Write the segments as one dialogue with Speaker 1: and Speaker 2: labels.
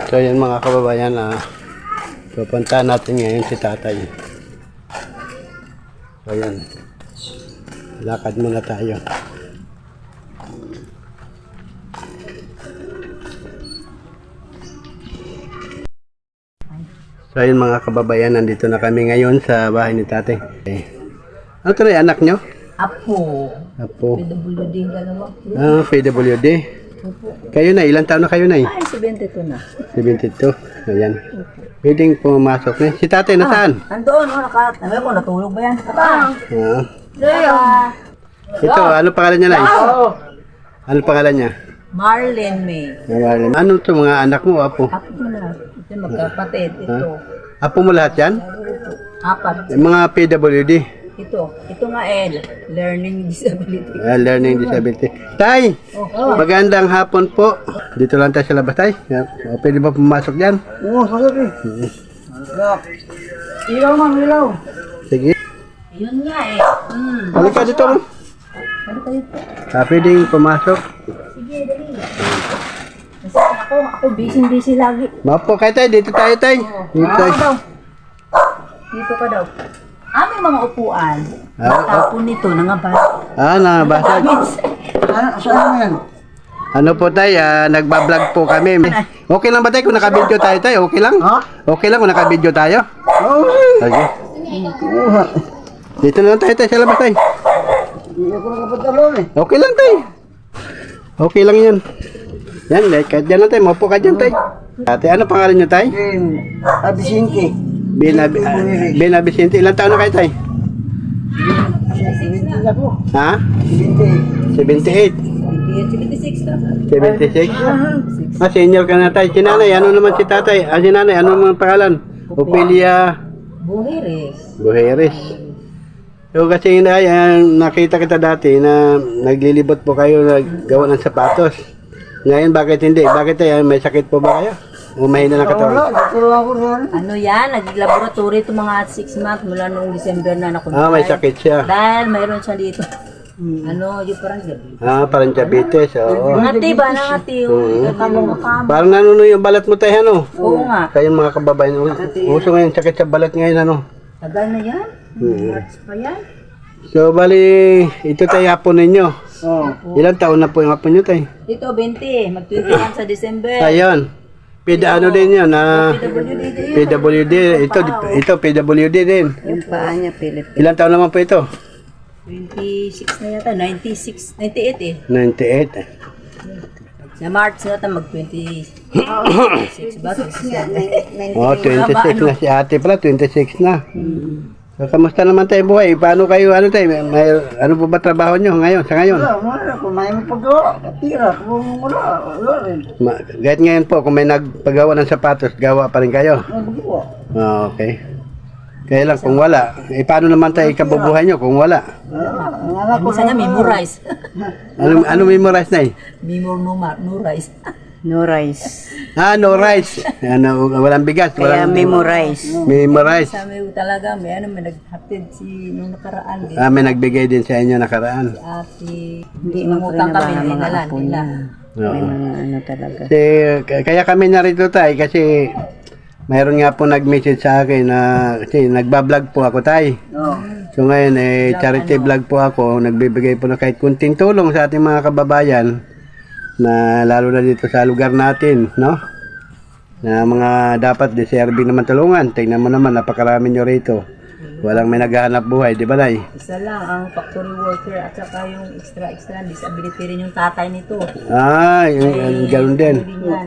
Speaker 1: So yan mga kababayan, pupuntahan natin ngayon si tatay. So yan, lakad muna tayo. So yun mga kababayan, nandito na kami ngayon sa bahay ni tatay. Ano ito na anak nyo?
Speaker 2: Apo.
Speaker 1: Apo.
Speaker 2: PWD dalawa.
Speaker 1: PWD.
Speaker 2: Opo.
Speaker 1: Kayo na, ilang taon na kayo na eh?
Speaker 2: Ay, 72 na.
Speaker 1: 72. Ayan. Pwedeng pumasok na. Si tatay nasaan?
Speaker 2: Andoon, nakatabi ko, natulog ba yan?
Speaker 1: Ito, ano pangalan niya na eh? Ano pangalan niya?
Speaker 2: Marlene May.
Speaker 1: Marlene. Ano ito mga anak mo, apo?
Speaker 2: Apo mo na. Ito magkapatid. Ito.
Speaker 1: Apo mo lahat yan?
Speaker 2: Apat.
Speaker 1: Yung mga PWD.
Speaker 2: Ito nga learning disability.
Speaker 1: Learning disability. Tay! Magandang hapon po. Dito lang tayo sa labas, tay. Pwede ba pumasok dyan?
Speaker 3: Oo, sabi. Ilaw ma'am, ilaw.
Speaker 1: Sige.
Speaker 2: Yun nga
Speaker 1: Halika dito.
Speaker 2: Ano kayo po?
Speaker 1: Pwedeng pumasok.
Speaker 2: Sige, dali. Kasi ako busy lagi.
Speaker 1: Mapo kayo, tay. Dito tayo, tay. Dito tayo.
Speaker 2: Dito ka daw. May mga upuan.
Speaker 1: Ah,
Speaker 2: Tapon nito, nangabas.
Speaker 1: Nabasag.
Speaker 3: Saan yan?
Speaker 1: Ano po tay, nagbablog po kami. Okay lang ba tay kung naka-video tayo tay? Okay lang? Okay lang kung naka-video tayo? Sige. Dito na lang tayo tay, sa labas tay.
Speaker 3: Hindi ako nakapatalon eh.
Speaker 1: Okay lang tay. Okay lang yun. Yan, kahit dyan lang tay, maupo ka dyan tay. Ate, ano pangalan nyo tay?
Speaker 3: Abisinti.
Speaker 1: Ben Vicente, ilang taon na kayo tay?
Speaker 3: 70 na po.
Speaker 1: Ha?
Speaker 3: 70.
Speaker 1: 78?
Speaker 2: 76 na.
Speaker 1: 76? Senior ka na tay. Si nanay, ano naman si tatay? Si nanay, ano naman pangalan? Opelia Buheres. So kasi nakita kita dati na naglilibot po kayo naggawa ng sapatos. Ngayon bakit hindi? Bakit tayo? May sakit po ba kayo? O mahina ng katawan?
Speaker 2: Ano yan? Nag-laboratory ito mga 6 months mula noong December na nakunta.
Speaker 1: May sakit siya.
Speaker 2: Dahil mayroon siya dito. Yung parang gabi.
Speaker 1: Parang diabetes. Oo.
Speaker 2: Ngati ba? Nangati yung
Speaker 1: Parang nanuno yung balat mo tayo, ano?
Speaker 2: Oo nga.
Speaker 1: Kayong mga kababayan, uso ngayon sakit sa balat ngayon, ano?
Speaker 2: Tagal na yan. March pa yan.
Speaker 1: So, bali, ito tayo hapon ninyo. Ilang taon na po yung hapon nyo tayo?
Speaker 2: Dito, 20. Mag-21 sa December.
Speaker 1: Ayun. Ano din yun? PWD. Ito, PWD din.
Speaker 2: Yung paa niya, Philip.
Speaker 1: Ilang taon naman po ito?
Speaker 2: 26 na yata. 98 eh.
Speaker 1: 98.
Speaker 2: Sa March na yata mag-26 ba?
Speaker 1: 26 na si ate pala. 26 na. So, kamusta naman tayo buhay? Paano kayo, ano tayo? Ano po ba trabaho nyo ngayon, sa ngayon?
Speaker 3: Wala, kung may paggawa, tira. Kung wala rin.
Speaker 1: Kahit ngayon po, kung may nagpagawa ng sapatos, gawa pa rin kayo?
Speaker 3: Nagagawa.
Speaker 1: Okay. Kaya lang, kung wala, paano naman tayo ikabubuhay nyo kung wala?
Speaker 3: Ang anak ko
Speaker 2: Minsan nga, memorize.
Speaker 1: Ano memorize na eh?
Speaker 2: Memorize.
Speaker 4: No rice.
Speaker 1: No rice. Walang bigas.
Speaker 4: Kaya memorize.
Speaker 1: Memorize.
Speaker 2: Sa amin talaga, may naghatid nung nakaraan.
Speaker 1: May nagbigay din sa inyo nakaraan.
Speaker 2: Ate,
Speaker 4: Hindi mo
Speaker 2: mangutang kami,
Speaker 4: mga
Speaker 2: inalan
Speaker 4: apo
Speaker 2: nila.
Speaker 4: niya. May mga ano talaga.
Speaker 1: Kaya kami narito tayo kasi mayroon nga po nag-message sa akin na kasi nagbablog po ako tayo. So ngayon charity vlog po ako, nagbibigay po na kahit kunting tulong sa ating mga kababayan na lalo na dito sa lugar natin, no? Na mga dapat deserving naman tulungan. Tingnan mo naman, napakarami nyo rito. Walang may naghahanap buhay, di ba Nay?
Speaker 2: Isa lang ang factory worker at saka yung extra disability rin yung tatay nito.
Speaker 1: Yung ganoon din.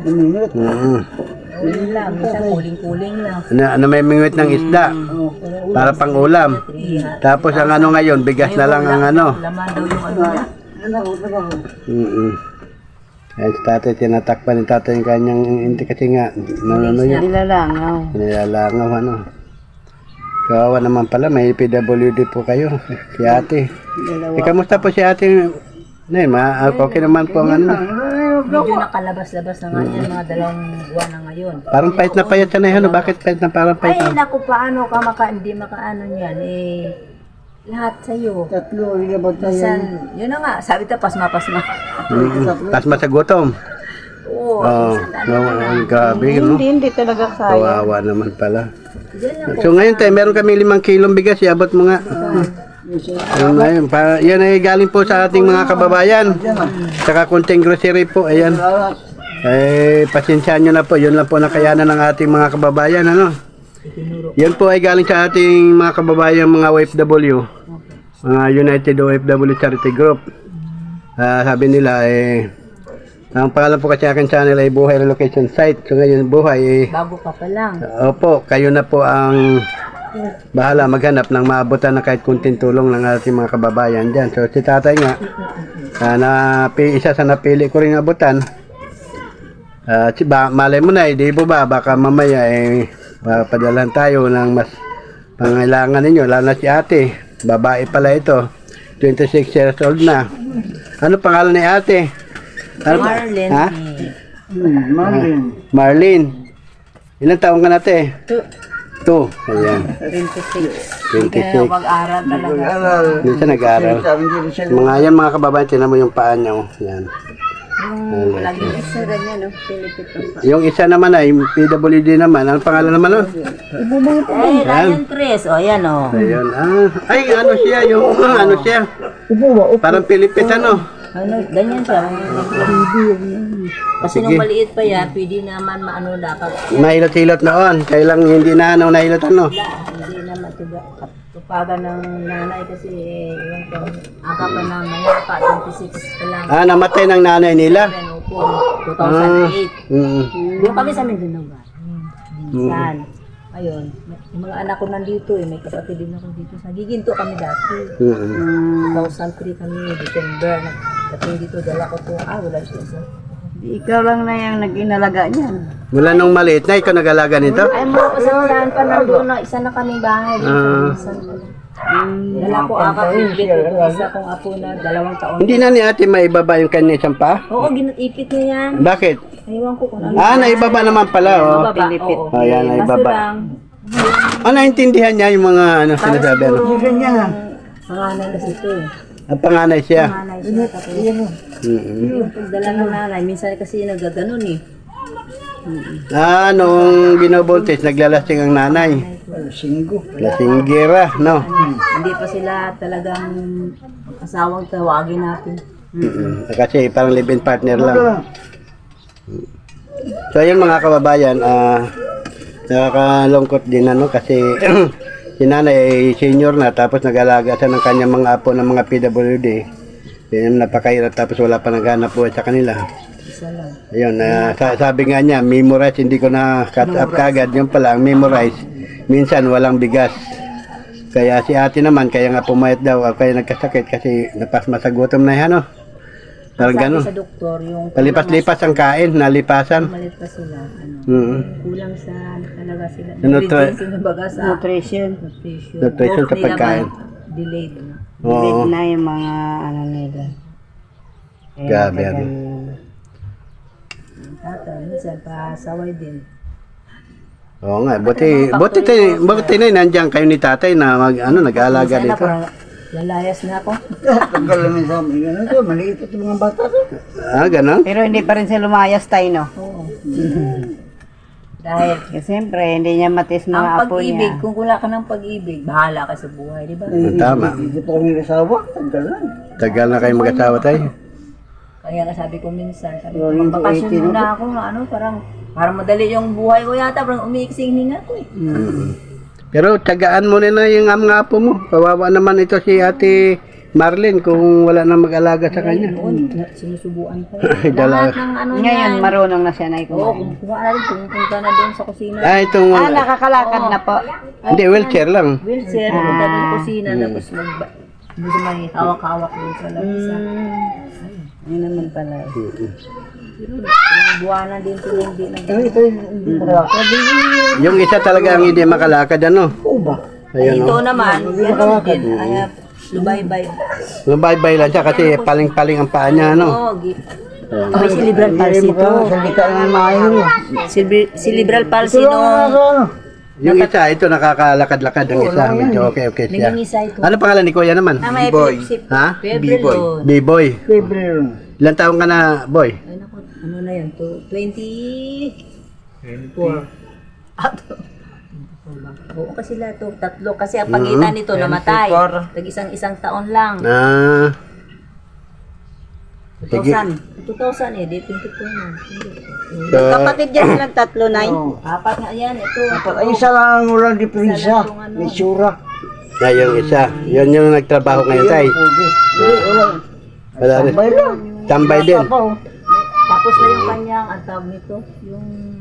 Speaker 2: Kuling lang, minsan kuling-kuling lang.
Speaker 1: Ano may mingwit ng isda para pang ulam. Tapos ang ano ngayon, bigas na lang ang ano.
Speaker 2: Laman daw yung ano niya.
Speaker 1: Kaya si tatay, tinatakpan ni tatay yung kanyang hindi kasi nga, ano yun? Nilalangaw, ano. Kawawa naman pala, may PWD po kayo, si ate. Kamusta po si ate? Okay naman po ang ano.
Speaker 2: Medyo nakalabas-labas na nga yan, mga 2 buwan na ngayon.
Speaker 1: Parang pahit na payat siya na yun, bakit pahit na parang pahit na?
Speaker 2: Ay, naku, paano ka hindi makaano yan, lahat sa'yo.
Speaker 3: Tatlo, ilabot tayo.
Speaker 2: Yun na nga, sabi ta, pasma.
Speaker 1: Pasma sa gutom.
Speaker 2: Oo,
Speaker 1: Grabe, no?
Speaker 4: Hindi talaga kaya.
Speaker 1: Kawawa naman pala.
Speaker 2: Diyan lang po.
Speaker 1: So ngayon tayo, meron kami 5 kilong bigas, iabot mo nga. Ayun, yan ay galing po sa ating mga kababayan. Saka konting grocery po, ayan. Pasensyaan nyo na po, yun lang po nakayanan ng ating mga kababayan, ano. Yan po ay galing sa ating mga kababayan, mga OFW. Mga United OFW Charity Group. Sabi nila, ang pangalan po kasi akin channel ay Buhay Relocation Site. So ngayon, Buhay,
Speaker 2: Bago ka pa lang.
Speaker 1: opo, kayo na po ang bahala maghanap ng maabutan na kahit kunting tulong ng ating mga kababayan dyan. So si tatay nga, isa sa napili ko rin abutan. Malay mo na, di ba, baka mamaya padalahan tayo ng mas pangailangan ninyo, lalo na si ate. Babae pala ito, 26 years old na. Ano pangalan ni ate? Ano pa?
Speaker 2: Marlene.
Speaker 1: Ha?
Speaker 3: Marlin.
Speaker 1: Marlene. Ilang taong ka na ate? 2. Ayan.
Speaker 2: 26.
Speaker 1: 26.
Speaker 2: Mag-aral talaga.
Speaker 1: Minsan nag-aaral.
Speaker 3: Sabi nila siya.
Speaker 1: Mga yan mga kababayan, tinan mo yung paa niya. Oh. Yan.
Speaker 2: Yung lagi
Speaker 4: Isa ganyan, no? Pilipit ang
Speaker 1: Yung isa naman ay PWD naman. Ano pangalan naman nun?
Speaker 2: Ryan Chris. O, yan o.
Speaker 1: Ayun. Ay, ano siya? Yung ano siya? Parang Pilipit ano?
Speaker 2: Ano, ganyan siya. Kasi nung maliit pa yan, pwede naman maano dapat.
Speaker 1: Nahilot-hilot noon. Kaya lang hindi na ano, nahilot ano.
Speaker 2: Hindi naman tupagan ng nanay kasi yung aga pa ng mayapa, 26 pa lang.
Speaker 1: Namatay ng nanay nila.
Speaker 2: Ano po, 2008. Doon kami sa Mindanao ba? Minsan. Ayun, yung mga anak ko nandito may kapatid din ako dito. Sa Giginto kami dati. 2003 kami, December. Nagdating dito, dala ko to. Wala siya isa.
Speaker 4: Ikaw lang na yung nag-inalaga niyan.
Speaker 1: Mula nung maliit na, ikaw nag-alaga nito?
Speaker 2: Ay, mga kasamahan pa nandun na isa na kaming bahay. Dala ko bit ito, isa kong apo na 2 taon.
Speaker 1: Hindi na ni ate maibaba yung kanya isang pa?
Speaker 2: Oo, ginatipit niya yan.
Speaker 1: Bakit?
Speaker 2: Aywan ko kung ano.
Speaker 1: Naibaba naman pala, oh.
Speaker 4: Pilipit.
Speaker 2: Oo.
Speaker 1: Ayan,
Speaker 2: Kaso
Speaker 1: naibaba.
Speaker 2: lang,
Speaker 1: Naintindihan niya yung mga ano sinasabi. Ano?
Speaker 2: pangalan kasi ito eh.
Speaker 1: Ang panganay siya.
Speaker 2: Panganay siya. Tapos yung pagdala ng nanay, minsan kasi nagaganon eh.
Speaker 1: Nung binobultis, naglalasing ang nanay.
Speaker 3: Singgo.
Speaker 1: Lasinggera, no?
Speaker 2: Hindi pa sila talagang asawang tawagin natin.
Speaker 1: Kasi parang live-in partner lang. So ayun mga kababayan, nakakalungkot din ano kasi si nanay ay senior na tapos nag-alaga siya ng kanyang mga apo ng mga PWD. Yan napakahirap tapos wala pa naghanap po sa kanila.
Speaker 2: Isa lang.
Speaker 1: Ayun, sabi nga niya, memorize, hindi ko na cut up kagad. Yung pala, ang memorize, minsan walang bigas. Kaya si ate naman, kaya nga pumayat daw, kaya nagkasakit kasi napasma sa gutom na yan, no? Parang
Speaker 2: Sabi
Speaker 1: gano'n.
Speaker 2: sa doktor, yung
Speaker 1: Palipas-lipas ang kain, nalipasan.
Speaker 2: malit pa sila. Kulang sa talaga sila.
Speaker 4: Nutrition.
Speaker 1: Nutrition sa pagkain.
Speaker 2: Delayed.
Speaker 1: Oo.
Speaker 4: Na yung mga ano nila.
Speaker 1: Grabe, ano.
Speaker 2: Tatay, minsan pasaway din.
Speaker 1: Oo nga, buti na nandiyan kayo ni tatay na nag-aalaga
Speaker 2: Minsan na
Speaker 1: dito.
Speaker 2: parang lalayas na ako.
Speaker 3: Tagal lang sa amin. Ano to? Maliit ito mga bata to.
Speaker 1: Ganon?
Speaker 4: Pero hindi pa rin siya lumayas tayo, no?
Speaker 2: Oo. Dahil
Speaker 4: Kasi siyempre, hindi niya matis mga
Speaker 2: ang
Speaker 4: apo
Speaker 2: pag-ibig,
Speaker 4: niya.
Speaker 2: kung wala ka ng pag-ibig, bahala ka sa buhay, di ba?
Speaker 1: Tama.
Speaker 3: Hindi pa kami kasawa. Tagal lang.
Speaker 1: Tagal na kayo mag-asawa tayo.
Speaker 2: Kaya nga sabi ko minsan, magbakasyon muna ako, parang madali yung buhay ko yata, parang umiiksing hinga ko eh.
Speaker 1: Pero tagaan mo na yung mga apo mo. Kawawa naman ito si ate Marlene kung wala na mag-alaga sa kanya.
Speaker 2: Sinusubuan ko.
Speaker 1: Dala.
Speaker 2: Lahat ng ano
Speaker 4: Ngayon,
Speaker 2: yan.
Speaker 4: marunong na siya na
Speaker 2: Oo,
Speaker 4: ikumain.
Speaker 2: kumuha na rin, pumunta na doon sa kusina.
Speaker 1: Itong
Speaker 4: Nakakalakad na po.
Speaker 1: hindi, wheelchair lang.
Speaker 2: Wheelchair, pumunta doon sa kusina, tapos hindi siya may hawak-hawak doon sa labisa.
Speaker 4: Yun naman pala.
Speaker 2: Ilang buwanan din sila hindi nag-
Speaker 3: Ito hindi pa.
Speaker 1: Yung isa talaga ang hindi makalakad, ano?
Speaker 3: Oo ba?
Speaker 1: Ayun,
Speaker 2: Ito
Speaker 1: oh.
Speaker 2: naman, gano'n din. Kaya, lubaybay.
Speaker 1: Lumbay-bay lang siya kasi paling-paling ang paa niya, ano?
Speaker 2: Oo, may cerebral palsy ito.
Speaker 3: Salita nga maayon.
Speaker 2: Cerebral palsy no.
Speaker 1: Yung isa, ito nakakalakad-lakad ang isa. Medyo okay siya.
Speaker 2: Nangingisa ito.
Speaker 1: Ano pangalan ni Kuya naman?
Speaker 2: Na may epilepsy.
Speaker 1: Ha?
Speaker 2: Febril.
Speaker 1: B-boy.
Speaker 3: February.
Speaker 1: Ilan taong ka na, boy?
Speaker 2: Ay naku, ano na yun, 24. Oo, kasi lahat to, tatlo. Kasi ang pagitan nito namatay. Tag-isang taon lang. 2000 eh, di 24 na.
Speaker 4: Kapatid yan silang tatlo, Nay.
Speaker 2: Apat nga yan, ito.
Speaker 3: Ay, isa lang ang walang diferensya. May sura.
Speaker 1: Na yung isa. Yun yung nagtrabaho ngayon tay. Wala rin.
Speaker 3: Tambay lang.
Speaker 1: Tambay din.
Speaker 2: Tapos na yung kanyang, ang tawag nito, yung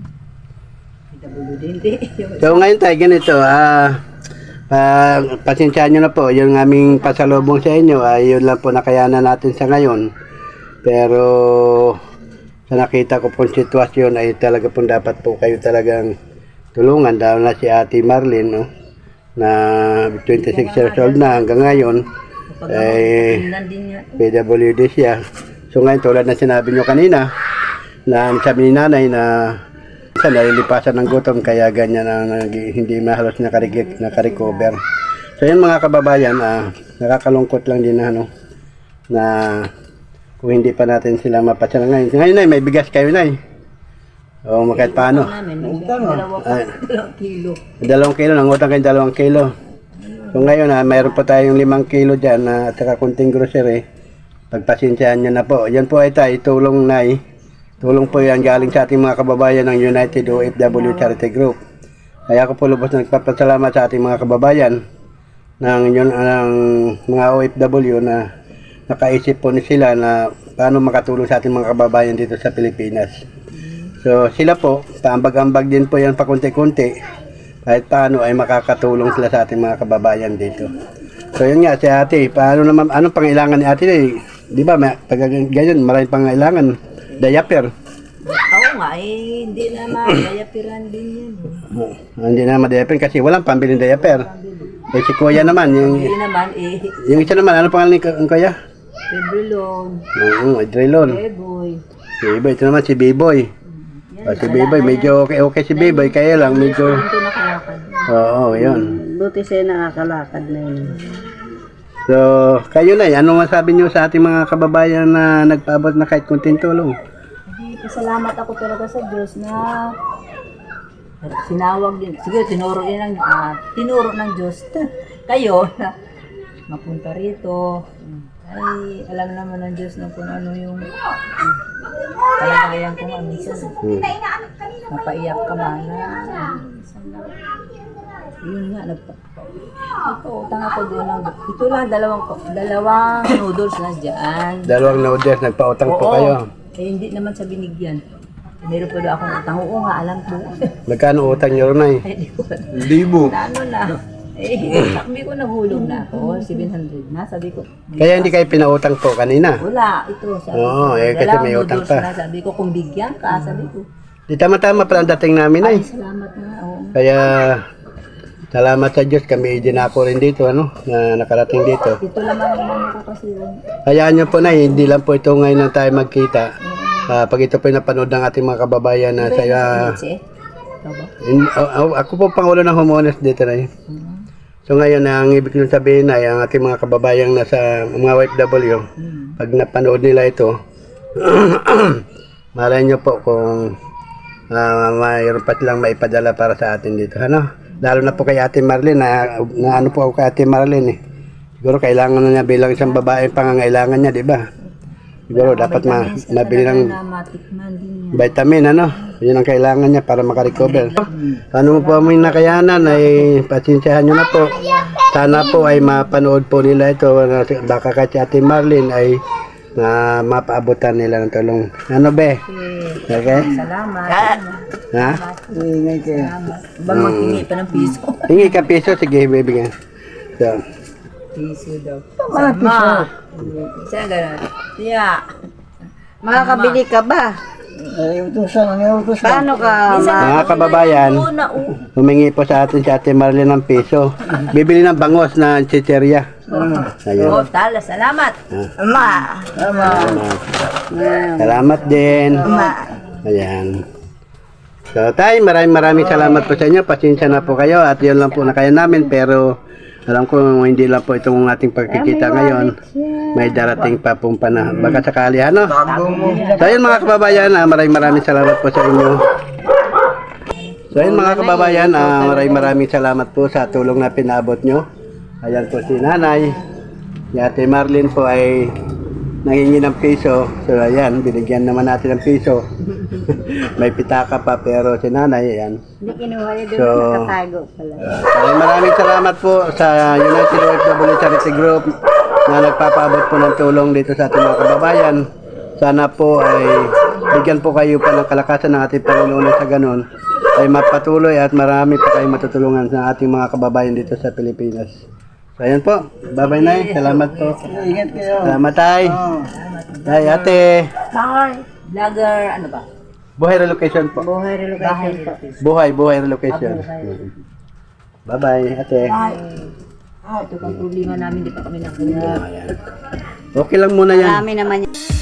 Speaker 2: PWD, hindi.
Speaker 1: So ngayon tayo ganito, pasensyahan nyo na po, yung aming pasalubong sa inyo, yun lang po nakayanan natin sa ngayon. Pero sa nakita ko pong sitwasyon ay talaga pong dapat po kayo talagang tulungan, dahil na si Ate Marlene, no, na 26 years old na hanggang ngayon, PWD siya. So ngayon tulad na sinabi nyo kanina, na sabi ni nanay na nalilipasan ng gutom kaya ganyan ang hindi mahalos nakarecover. So yun mga kababayan, nakakalungkot lang din na na kung hindi pa natin sila mapasya ngayon. Ngayon ay may bigas kayo na o kahit paano.
Speaker 2: Dalawang kilo.
Speaker 1: 2 kilo, nangutang kayo 2 kilo. So ngayon mayroon pa tayong 5 kilo dyan at saka kunting grocery. Pagpasensyahan nyo na po. Yan po ay tayo, tulong tulong po yan galing sa ating mga kababayan ng United OFW Charity Group. Kaya ako po lubos na nagpapasalamat sa ating mga kababayan ng mga OFW na nakaisip po sila na paano makatulong sa ating mga kababayan dito sa Pilipinas. So sila po, paambag-ambag din po yan pakunti-kunti kahit paano ay makakatulong sila sa ating mga kababayan dito. So yun nga si ate, paano naman, anong pangailangan ni ate? Di ba, pag ganyan, maraming pangailangan. Diaper.
Speaker 2: Oo nga, hindi naman. Diaperan din yan.
Speaker 1: Hindi na ma-diaper kasi walang pambiling diaper. Si kuya naman,
Speaker 2: Hindi naman,
Speaker 1: yung isa naman, ano pangalan ni kuya?
Speaker 2: Pebrilon,
Speaker 1: Oo, Adrelon.
Speaker 2: Beboy.
Speaker 1: Biboy, ito naman si Biboy. Si Biboy, medyo okay si Biboy, kaya lang medyo...
Speaker 2: Ito nakalakad.
Speaker 1: Oo, yun.
Speaker 4: Buti siya nakakalakad na yun.
Speaker 1: So, kayo na, ano masabi nyo sa ating mga kababayan na nagpaabot na kahit kunting tulong?
Speaker 2: Pasalamat ako talaga sa Diyos na sinawag din. Sige, tinuro ng Diyos kayo na mapunta rito. Ay, alam naman ng Diyos na kung ano yung kalagayan ko nga minsan. Napaiyak ka ba na? Yun nga, nagpautang ako doon. Ito lang, dalawang noodles na dyan.
Speaker 1: 2 noodles, nagpautang po
Speaker 2: Oo.
Speaker 1: kayo.
Speaker 2: Hindi naman sa binigyan. Meron pa doon akong utang. Oo nga, alam ko.
Speaker 1: Magkano utang nyo rin ay?
Speaker 2: Ay, di ko alam.
Speaker 1: Libo.
Speaker 2: Na ano na. Sabi ko nahulog na ako. 700 na. Sabi ko.
Speaker 1: Kaya hindi kayo pinautang po kanina.
Speaker 2: Wala. Ito. Sabi
Speaker 1: Oo,
Speaker 2: ko.
Speaker 1: kasi
Speaker 2: Dalawang
Speaker 1: may utang
Speaker 2: noodles
Speaker 1: pa.
Speaker 2: na. Sabi ko, kung bigyan ka, sabi ko.
Speaker 1: Di tama-tama pala ang dating namin ay.
Speaker 2: Ay, salamat na. Oo.
Speaker 1: Kaya, salamat sa Diyos, kami din ako rin dito, na nakarating dito.
Speaker 2: Ito naman naman ko kasi.
Speaker 1: Hayaan nyo po na, hindi lang po ito ngayon na tayo magkita. Pag ito po yung napanood ng ating mga kababayan na sa... ako po pangulo ng homeowners dito na yun. So ngayon, ang ibig kong sabihin ay ang ating mga kababayang nasa mga OFW, pag napanood nila ito, malay nyo po kung mayroon pa silang maipadala para sa atin dito. Ano? Lalo na po kay Ate Marlene, na ano po ako kay Ate Marlene eh. Siguro kailangan na niya bilang isang babae pangangailangan niya, di ba? Siguro dapat mabili ng vitamin, ano? Yun ang kailangan niya para makarecover. Ano mo po aming nakayanan ay pasensyahan nyo na po. Sana po ay mapanood po nila ito. Baka kahit si Ate Marlene ay mapaabutan nila ng tulong. Ano be? Okay?
Speaker 2: Salamat.
Speaker 1: Ha?
Speaker 3: Ingay kayo.
Speaker 2: Ba maghingi pa ng piso?
Speaker 1: Hingi ka piso, sige, bibigyan. So,
Speaker 2: Piso daw.
Speaker 3: Mga piso.
Speaker 2: Saan gano'n? Yeah.
Speaker 4: Makakabili ka ba?
Speaker 3: Ay, utusan. Ang utos na.
Speaker 4: Paano ka?
Speaker 1: mga kababayan, humingi po sa atin si Ate Marlene ng piso. Bibili ng bangos na chicheria. Ayun.
Speaker 2: Oh, tala, salamat.
Speaker 4: Ma.
Speaker 1: Salamat din. Ayan. So, tay, maraming salamat po sa inyo. Pasensya na po kayo at yun lang po na kaya namin. Pero, Alam ko hindi lang po itong ating pagkikita ngayon. May darating pa pong panahon. Baka sakali, ano? So ayun mga kababayan, maraming salamat po sa inyo. So ayun mga kababayan, maraming salamat po sa tulong na pinabot nyo. Ayan po si nanay. Si Ate Marlene po ay nangingi ng piso. So ayan, binigyan naman natin ng piso. May pitaka pa pero si nanay, ayan.
Speaker 4: Hindi kinuha niya doon,
Speaker 1: So,
Speaker 4: nakatago pala.
Speaker 1: Maraming salamat po sa United OFW Charity Group na nagpapaabot po ng tulong dito sa ating mga kababayan. Sana po ay bigyan po kayo pa ng kalakasan ng ating Panginoon sa ganun ay mapatuloy at marami pa kayong matutulungan sa ating mga kababayan dito sa Pilipinas. So ayan po. Bye-bye Nay. Salamat po.
Speaker 3: Ingat kayo.
Speaker 1: Salamat Tay. Tay, ate.
Speaker 2: Bye. Vlogger, ano ba?
Speaker 1: Buhay relocation po.
Speaker 4: Buhay relocation po.
Speaker 1: Buhay relocation. Bye-bye ate.
Speaker 2: Bye. Ito pang problema namin, di pa kami nakuha.
Speaker 1: Ayan. Okay lang muna yan.
Speaker 4: Marami naman yan.